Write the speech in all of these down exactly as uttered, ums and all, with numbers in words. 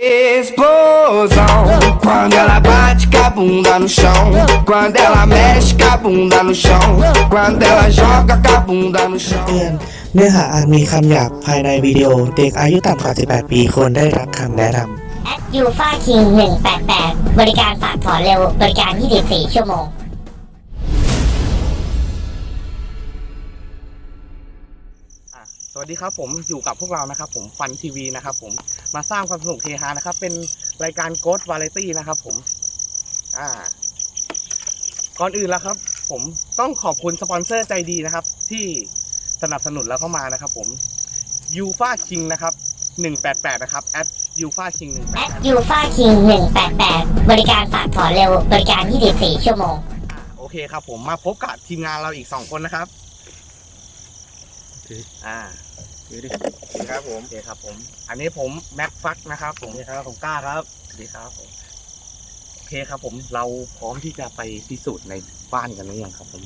Explosão, quando ela bate com a bunda no chão, quando ela mexe com a bunda no chão, quando ela joga com a bunda no chão เตือนเนื้อหาอาจมีคำหยาบภายในวิดีโอเด็กอายุต่ำกว่าสิบแปดปีควรได้รับคำแนะนำแอปยูฟ่าคิงหนึ่งแปดแปดบริการฝากถอนเร็วบริการยี่สิบสี่ชั่วโมงสวัสดีครับผมอยู่กับพวกเรานะครับผมฟันทีวีนะครับผมมาสร้างความสนุกเฮฮานะครับเป็นรายการโกสต์วาไรตี้นะครับผมอ่าก่อนอื่นแล้วครับผมต้องขอบคุณสปอนเซอร์ใจดีนะครับที่สนับสนุนเราเข้ามานะครับผมยูฟ่าคิงนะครับหนึ่งแปดแปดนะครับแอดยูฟ่าคิงหนึ่งแปแอดปยูฟ่าคิงหนึ่งแปดแปดบริการฝากถอนเร็วบริการยี่สิบสี่ชั่วโมงโอเคครับผมมาพบกับทีมงานเราอีกสองคนนะครับอ่าสวัสดีครับผมโอเคครับผมอันนี้ผมแม็กฟักนะครับผมครับผมกล้าครับสวัสดีครับผมโอเคครับผมเราพร้อมที่จะไปพิสูจน์ในบ้านกันหรือยังครับผม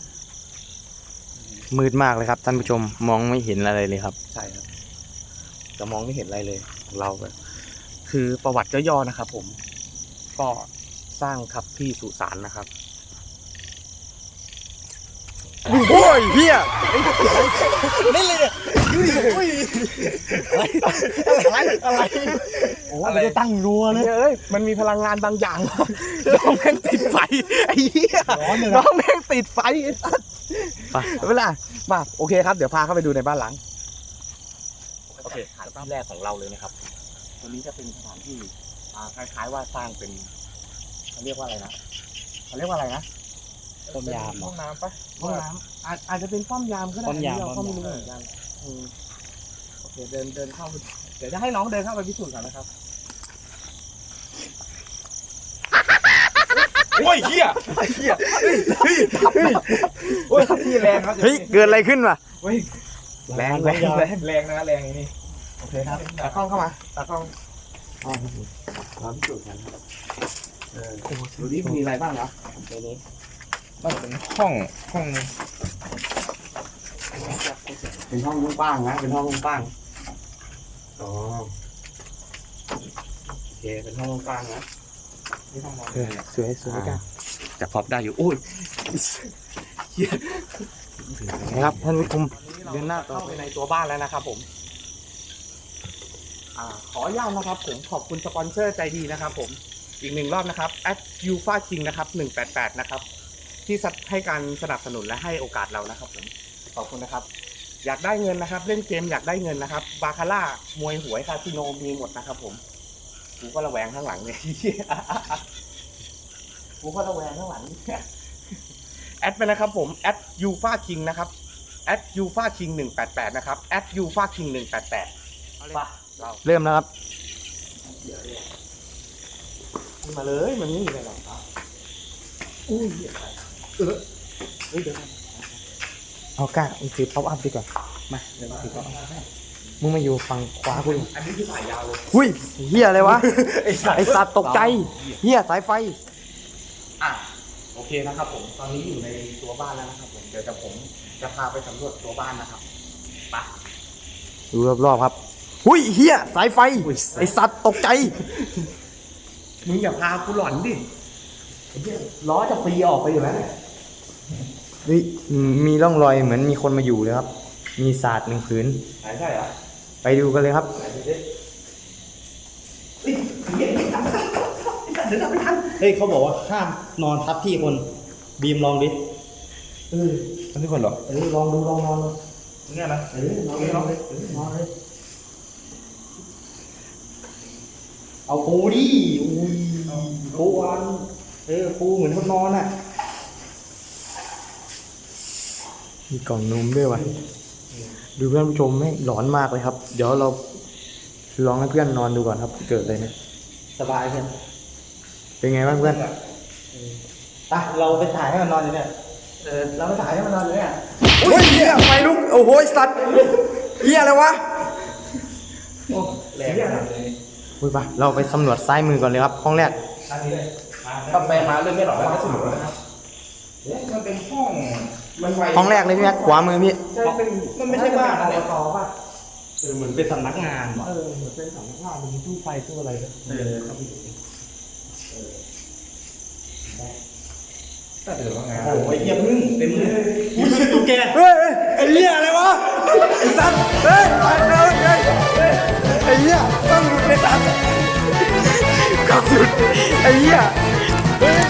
มืดมากเลยครับท่านผู้ชมมองไม่เห็นอะไรเลยครับใช่ครับจะมองไม่เห็นอะไรเลยของเราแบบคือประวัติย่อๆนะครับผมก็สร้างครับที่สุสานนะครับโอ้ยเฮียเล่นเลยเนี่ยดูดิโอ้ยอะไรอะไรโอ้อะไรตั้งรัวเลยเอ้ยมันมีพลังงานบางอย่างน้องแม่งติดไฟไอ้เหี้ยน้องแม่งติดไฟไปเวลามาโอเคครับเดี๋ยวพาเข้าไปดูในบ้านหลังโอเคสถานที่แรกของเราเลยนะครับตัวนี้จะเป็นสถานที่อ่าคล้ายๆว่าสร้างเป็นเขาเรียกว่าอะไรนะเขาเรียกว่าอะไรนะป้อมยามห้องน้ำปะห้องน้ำอาจอาจจะเป็นป้อมยามก็ได้ป้อมยามเราก็ไม่รู้เหมือนกันโอเคเดินเดินเข้าเดี๋ยวจะให้น้องเดินเข้าไปพิสูจน์ก่อนนะครับโอ้ยเหี้ยเหี้ยเฮ้ยเฮ้ยโอ้ยที่แรงครับเฮ้ยเกิดอะไรขึ้นวะเฮ้ยแรงแรงแรงแรงนะแรงนี่โอเคครับตากล้องเข้ามาตากล้องอ๋อเราพิสูจน์กันครับเออดูดิมีอะไรบ้างนะในนี้มันเป็นห้องห้องเป็นห้องกว้างนะเป็นห้องกว้างอ๋อโอเคเป็นห้องกว้างนะนี่ห้องนอนสวยสวยกันจะพอบได้อยู่โอ้ยนะครับท่านผู้ชมเดินหน้าต่อเข้าไปในตัวบ้านแล้วนะครับผมอ่าขออนุญาตนะครับผมขอบคุณสปอนเซอร์ใจดีนะครับผมอีกหนึ่งรอบนะครับแอดยูฟ่าคิงนะครับหนึ่งแปดแปดนะครับที่ให้การสนับสนุนและให้โอกาสเรานะครับผมขอบคุณนะครับอยากได้เงินนะครับเล่นเกมอยากได้เงินนะครับบาคาร่ามวยหวยคาสิโนมีหมดนะครับผมกูก็ระแวงข้างหลังเนี่ยกูก็ระแวงข้างหลังแอดไปนะครับผมแอดยูฟ่าคิงนะครับแอดยูฟ่าคิงหนึ่งแปดแปดนะครับแอดยูฟ่าคิงหนึ่งแปดแปดเริ่มแล้วครับมาเลยมันนี่เลยหรออุ้ยเออเฮ้ยเดี๋ยวเอาก้ามึงถือป๊อปอัพดีกว่ามาเดี๋ยวถือป๊อปอัพมึงมาอยู่ฝั่งขวากูอันนี้คือสายยาวเลยหุ้ยเฮียอะไรวะไอสัตว์ตกใจเฮียสายไฟอ่ะโอเคนะครับผมตอนนี้อยู่ในตัวบ้านแล้วนะครับผมเดี๋ยวจะผมจะพาไปสำรวจตัวบ้านนะครับไปดูรอบๆครับหุ้ยเฮียสายไฟไอสัตว์ตกใจมึงอย่าพากูหลอนดิล้อจะฟรีออกไปอยู่แล้วเฮ้ยมีร่องรอยเหมือนมีคนมาอยู่เลยครับมีศาสตร์หนึ่งผืนใช่เหรอไปดูกันเลยครับเฮ้ยเขาบอกว่าห้ามนอนทับที่คนบีมลองดิเออทับที่คนหรอเออลองดูลองนอนเนี่ยนะเออลองเลยลองเลยนอนเลยเอาปูดิอุ้ยปูอันเออปูเหมือนคนนอนอ่ะมีกล่องนมด้วยวะดูเพื่อนผู้ชมไม่หลอนมากเลยครับเดี๋ยวเราลองให้เพื่อนนอนดูก่อนครับเกิดอะไรเนี่ยสบายเพื่อนเป็นไงบ้างเพื่อนไปเราไปถ่ายให้มันนอนอยู่เนี่ยเออเราไปถ่ายให้มันนอนอยู่เนี่ยโอ้ยเหี้ยไฟลุกโอ้โหสัตว์เหี้ยอะไรวะโอ้แรงขนาดเลยอุ้ยปะเราไปสำรวจซ้ายมือก่อนเลยครับห้องแรกก็ไปมาเรื่องไม่หรอกไม่สนุกนะครับมันเป็นห้องมันไวห้องแรกเลยพี่แม็กขวามือพี่มันไม่ใช่บ้านอะไรต่อป่ะเออเหมือนเป็นสำนักงานว่ะเออเหมือนเป็นสำนักงานมีตู้ไฟตู้อะไรนะเออครับพี่แต่เดี๋ยวว่างานโอ้ยเยี่ยพึ่งเต็มเลยอุ้ยเชี่ยตุ๊กแกเฮ้ยไอ้เหี้ยอะไรวะไอ้สัตว์เฮ้ยไอ้เฮ้ยไอ้เหี้ยต้องหยุดเลยสัตว์ต้องหยุดไอ้เหี้ยเฮ้ย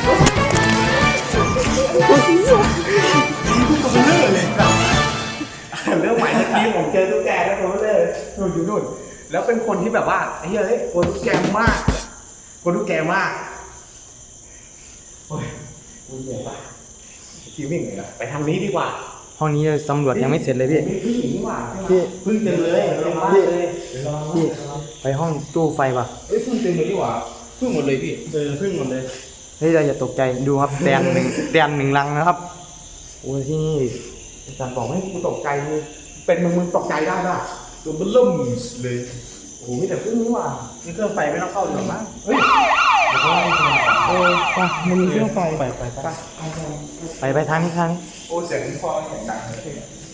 เรื่องใหม่เมื่อกี้ผมเจอตุ๊กแกแล้วผมเลยนู่นอยู่นู่นแล้วเป็นคนที่แบบว่าไอ้เฮ้ยคนตุ๊กแกมากคนตุ๊กแกมากโอ้ยคุณเหนื่อยปะคิววิ่งเลยนะไปทางนี้ดีกว่าห้องนี้สำรวจยังไม่เสร็จเลยพี่พี่หญิงดีกว่าพี่พึ่งเต็มเลยเต็มบ้านเลยพี่ไปห้องตู้ไฟป่ะเอ้ยพึ่งเต็มเลยดีกว่าพึ่งหมดเลยพี่เออพึ่งหมดเลยเฮ้ยเราอย่าตกใจดูครับแดนหนึ่งแดนหนึ่งลังนะครับโอ้ยที่นี่อาจารย์บอกให้กูตกใจมึงเป็นมึงมึงตกใจได้ป่ะตัวมันล่มเลยโอ้ยแต่พึ่งนี่หว่านี่เครื่องไฟไม่ต้องเข้าหรอกมั้งเฮ้ยเออไปมันมีเครื่องไฟไปไปไปไปไปทางนี้ทางนี้โอ้เสียงคอเสียงดังเลย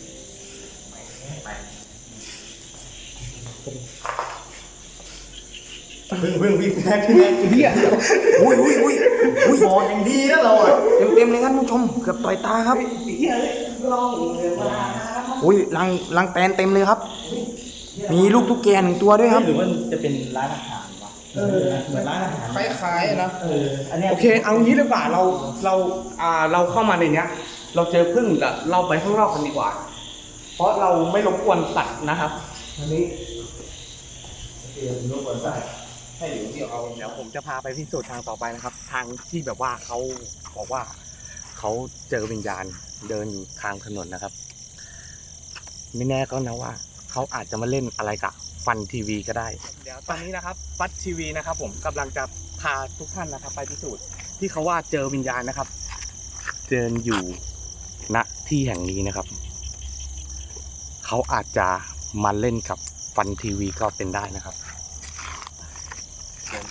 พึ่งพึ่งพี่แม่พี่แม่พี่อ่ะอุ้ยอุ้ยอุ้ยอุ้ยมองอย่างดีนะเราอ่ะเต็มเต็มเลยครับผู้ชมเกือบต่อยตาครับเฮียเลยลองเลยว่าอุ้ยลังลังแตนเต็มเลยครับ มีลูกตุ๊กแกหนึ่งตัวด้วยครับหรือว่าจะเป็นร้านอาหารวะเออเหมือนร้านอาหารคล้ายๆนะเอออันเนี้ยโอเคเอางี้ดีกว่าเราเราอ่าเราเข้ามาในเนี้ย เราเจอพึ่งแต่เราไปข้างนอกกันดีกว่า เพราะเราไม่รบกวนสัตว์นะครับอันนี้เดี๋ยวรบกวนสัตว์ให้เดี๋ยวเดี๋ยวเอาเดี๋ยวผมจะพาไปพิสูจน์ทางต่อไปนะครับ ทางที่แบบว่าเขาบอกว่าเขาเจอวิญญาณเดินอยู่ทางถนนนะครับ ไม่แน่ก็นะว่าเขาอาจจะมาเล่นอะไรกับฟันทีวีก็ได้ เดี๋ยวตอนนี้นะครับฟันทีวีนะครับ ผมกำลังจะพาทุกท่านนะครับ ไปพิสูจน์ที่เขาว่าเจอวิญญาณนะครับ เดินอยู่ณที่แห่งนี้นะครับเขาอาจจะมาเล่นกับฟันทีวีก็เป็นได้นะครับเดินไป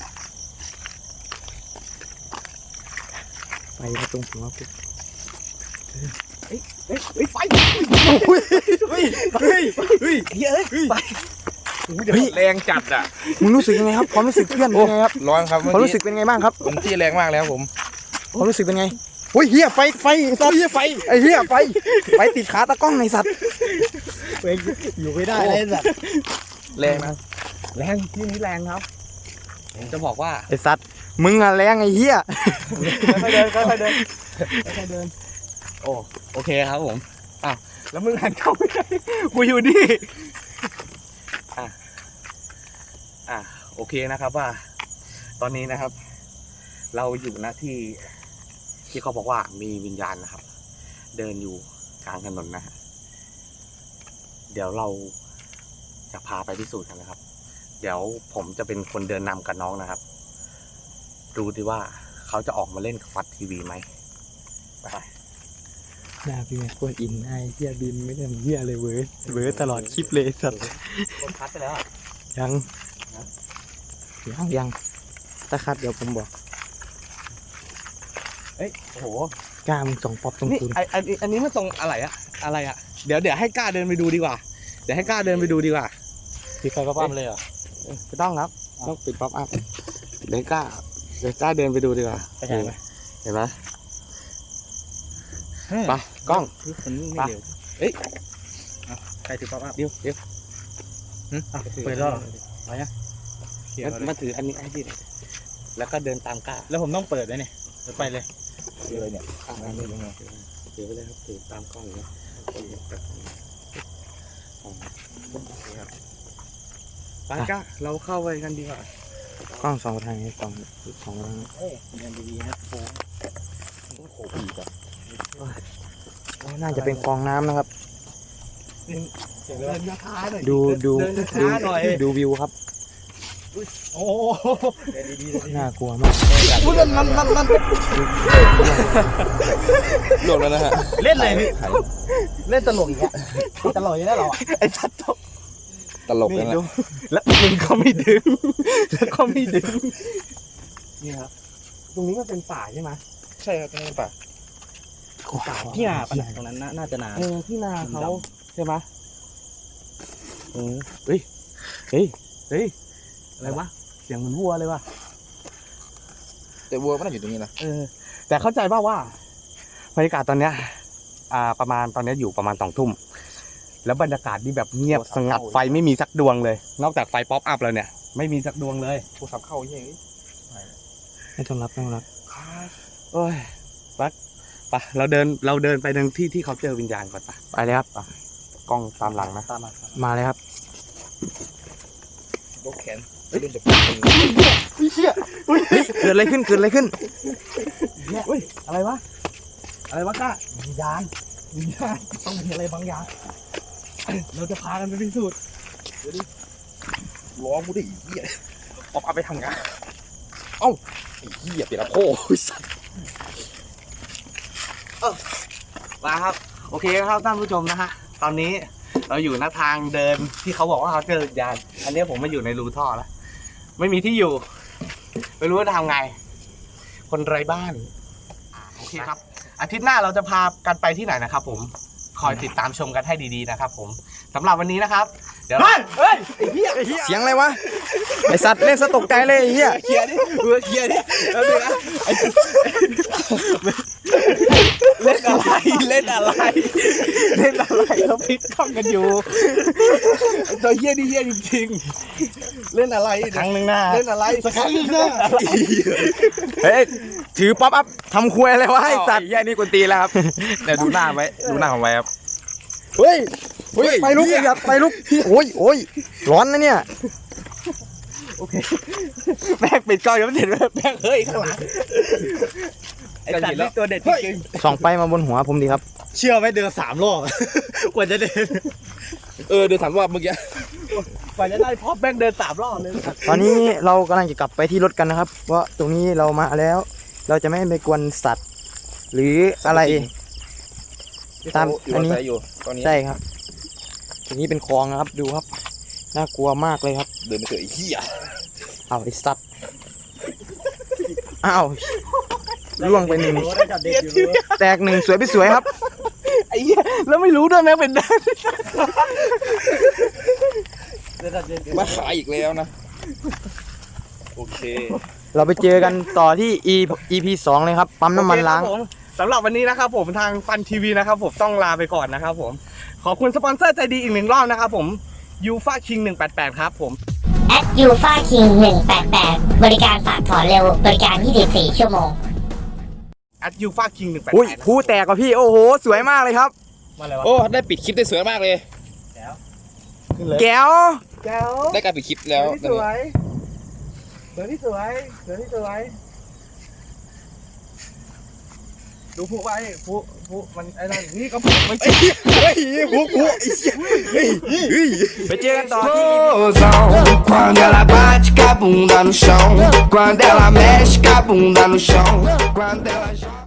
ไปมาตรงหัวปุ๊บเฮ้ยเฮ้ยไฟเฮ้ยเฮ้ยเฮ้ยเฮ้ยเฮ้ยไฟเฮ้ยแรงจัดอ่ะมึงรู้สึกยังไงครับความรู้สึกเพื่อนเป็นไงครับร้อนครับความรู้สึกเป็นไงบ้างครับผมที่แรงมากแล้วผมความรู้สึกเป็นไงโอ้ยเฮียไฟไฟสัตว์เฮียไฟไอ้เฮียไฟไฟติดขาตะกล้องในสัตว์อยู่ไม่ได้เลยสัตว์แรงนะแรงที่นี้แรงครับผมจะบอกว่าไอ้สัตว์มึงอะแรงไอ้เฮียค่อยๆเดินค่อยๆเดินค่อยๆเดินโอ้โอเคครับผมอ่ะแล้วมึงหันเข้าไม่ได้กูอยู่นี่อ่ะอ่ะโอเคนะครับว่า ตอนนี้นะครับ เราอยู่ณที่ที่เขาบอกว่ามีวิญญาณนะครับ เดินอยู่กลางถนนนะฮะเดี๋ยวเราจะพาไปพิสูจน์กันนะครับ เดี๋ยวผมจะเป็นคนเดินนำกับน้องนะครับ ดูดิว่าเขาจะออกมาเล่นกับฟัดทีวีไหมไปหน้าพี่แม่โคตรอินไอ้เฮียบินไม่ได้เฮียเลยเว้ยเว้ยตลอดคลิปเลยสัตว์คนพัดไปแล้วอ่ะยังยังยังตะคัดเดี๋ยวผมบอกเอ้ยโอ้โหกล้ามึงส่องป๊อปตรงนี่คุณไออันอันนี้มันตรงอะไรอะอะไรอะเดี๋ยวเดี๋ยวให้กล้าเดินไปดูดีกว่าเดี๋ยวให้กล้าเดินไปดูดีกว่าปิดไฟป๊อปอัพเลยเหรอไม่ต้องครับต้องปิดป๊อปอัพเดี๋ยวกล้าเดี๋ยวกล้าเดินไปดูดีกว่าไปไหนไหมเห็นไหมไปกล้องคนนี้ไม่เร็วเอ้ยใครถือป๊อปอัพเดี๋ยวเดี๋ยวเปิดแล้วอะไรอ่ะมามาถืออันนี้ให้พี่หน่อยแล้วก็เดินตามกล้าแล้วผมต้องเปิดเลยเนี่ยไปเลยเลยเนี่ยอ่ะอันนี้ยังไงถือไปเลยครับถือตามกล้องอย่างเงี้ยไปกล้าเราเข้าไปกันดีกว่ากล้องสองทางนี้สองสองทางเฮ้ยเดินดีๆนะโค้งโอ้โหอีกอ่ะน่าจะเป็นคลองน้ำนะครับเดินช้าๆหน่อยดูดูเดินดูช้าๆหน่อยดูวิวครับโอ้โหเดินดีๆน่ากลัวมากอุ้ยนั่นนั่นนั่นนั่นหลบแล้วนะฮะเล่นเลยพี่เล่นตลกอีกอ่ะตลกอยู่แล้วเราอ่ะไอ้ชัดตกตลกนี่นั่นแหดูละแล้วมึงก็ไม่ดึงแล้วก็ไม่ดึงนี่ครับตรงนี้มันเป็นป่าใช่ไหมใช่ครับตรงนี้ป่ะที่นาปะเนี่ยตรงนั้นน่าจะนาเออที่นาเขาใช่ไหมเออเฮ้ยเฮ้ยเฮ้ยอะไรวะเสียงเหมือนวัวเลยวะแต่วัวมันน่าอยู่ตรงนี้นะเออแต่เข้าใจป่าวว่าบรรยากาศตอนเนี้ยอ่าประมาณตอนเนี้ยอยู่ประมาณสองทุ่มแล้วบรรยากาศนี่แบบเงียบสงัดไฟไม่มีสักดวงเลย นอกจากไฟป๊อปอัพแล้วเนี่ยไม่มีสักดวงเลยโทรศัพท์เข้าเฮ้ยไม่ต้องรับไม่ต้องรับโอ้ยปักปะเราเดินเราเดินไปทางที่ที่เขาเจอวิญญาณก่อนปะไปเลยครับกล้องตามหลังนะตามมามาเลยครับยกแขนรุ่นจะเป็นเกิดอะไรขึ้นเกิดอะไรขึ้นเฮ้ยอะไรวะอะไรวะก้าวิญญาณวิญญาณต้องมีอะไรบางอย่างเราจะพากันไปพิสูจน์ล้อกูดิเหี้ยออกเอาไปทำงานเอ้าไอ้เหี้ยเปลี่ยนละโค้สัตว์มาครับโอเคครับท่านผู้ชมนะฮะตอนนี้เราอยู่หน้าทางเดินที่เขาบอกว่าเขาเจอวิญญาณอันนี้ผมมาอยู่ในรูท่อแล้วไม่มีที่อยู่ไม่รู้ว่าจะทำไง คนไร้บ้านอ่าโอเคครับ อาทิตย์หน้าเราจะพากันไปที่ไหนนะครับ ผมคอยติดตามชมกันให้ดีๆนะครับ ผมสำหรับวันนี้นะครับ เดี๋ยวเฮ้ยเฮ้ยไอ้เหี้ยเสียงอะไรวะ ไอสัตว์เล่นสตกใจเลยไอ้เหี้ยเคลียร์ดิเออเคลียร์ดิแล้วดูนะไอ้เล่นอะไรเล่นอะไรเล่นอะไรเราพลิกกล้องกันอยู่ตัวเหี้ยนี่เหี้ยจริงๆเล่นอะไรครั้งหนึ่งหน้าเล่นอะไรสักครั้งหนึ่งนะเฮ้ยถือป๊อปอัพทำครัวอะไรวะไอสัตว์แย่นี่กวนตีแล้วครับเดี๋ยวดูหน้าไว้ดูหน้าผมไว้ครับเฮ้ยเฮ้ยไปลุกอย่าไปลุกโอ้ยโอ้ยร้อนนะเนี่ยโอเคแม่งปิดกล้องยังไม่เสร็จแม่งเฮ้ยข้างหลังไอ้สัตว์นี่ตัวเด็ดจริงส่องไปมาบนหัวผมดีครับเชื่อไหมเดินสามรอบ กว่าจะเดินเออเดี๋ยวถามว่าเมื่อกี้กว่าจะได้พอแม่งเดินสามรอบเลยตอนนี้เรากำลังจะกลับไปที่รถกันนะครับ เพราะตรงนี้เรามาแล้ว เราจะไม่ไปกวนสัตว์ หรืออะไร ตามที่อันนี้เขาอยู่ตอนนี้ใช่ครับตรงนี้เป็นคลองนะครับ ดูครับ น่ากลัวมากเลยครับเดินไปเถอะไอ้เหี้ยเอาไอ้สัตว์อ้าวล่วงไปหนึ่งได้จับเด็กอยู่แตกหนึ่งสวยไปสวยครับไอ้เหี้ยแล้วไม่รู้ด้วยแม่งเป็นด้านได้จับเด็กอยู่มาขายอีกแล้วนะโอเคเราไปเจอกันต่อที่ E อี พี สองเลยครับ ปั๊มน้ำมันล้างโอเคครับผมสำหรับวันนี้นะครับผมทางฟันทีวีนะครับผมต้องลาไปก่อนนะครับผมขอบคุณสปอนเซอร์ใจดีอีกหนึ่งรอบนะครับผมยูฟาคิงหนึ่งแปดแปดครับผมแอดยูฟาคิงหนึ่งแปดแปดบริการฝากถอนเร็วบริการยี่สิบสี่ชั่วโมงแอดยูฟาคิงหนึ่งแปดอุ้ยแปดผู้แตกกว่าพี่ โอ้โห สวยมากเลยครับมาอะไรวะโอ้ได้ปิดคลิปได้สวยมากเลยแก้วแก้วได้การปิดคลิปแล้วเสือที่สวยเสือที่สวยเสือที่สวยดูผู้ไว้ผู้ผู้มันไอ้นั่นนี่ก็ผู้มันไปเจอกันต่อที่ explosão. Quando ela bate com a bunda no chão, quando ela mexe com a bunda no chão, quando ela joga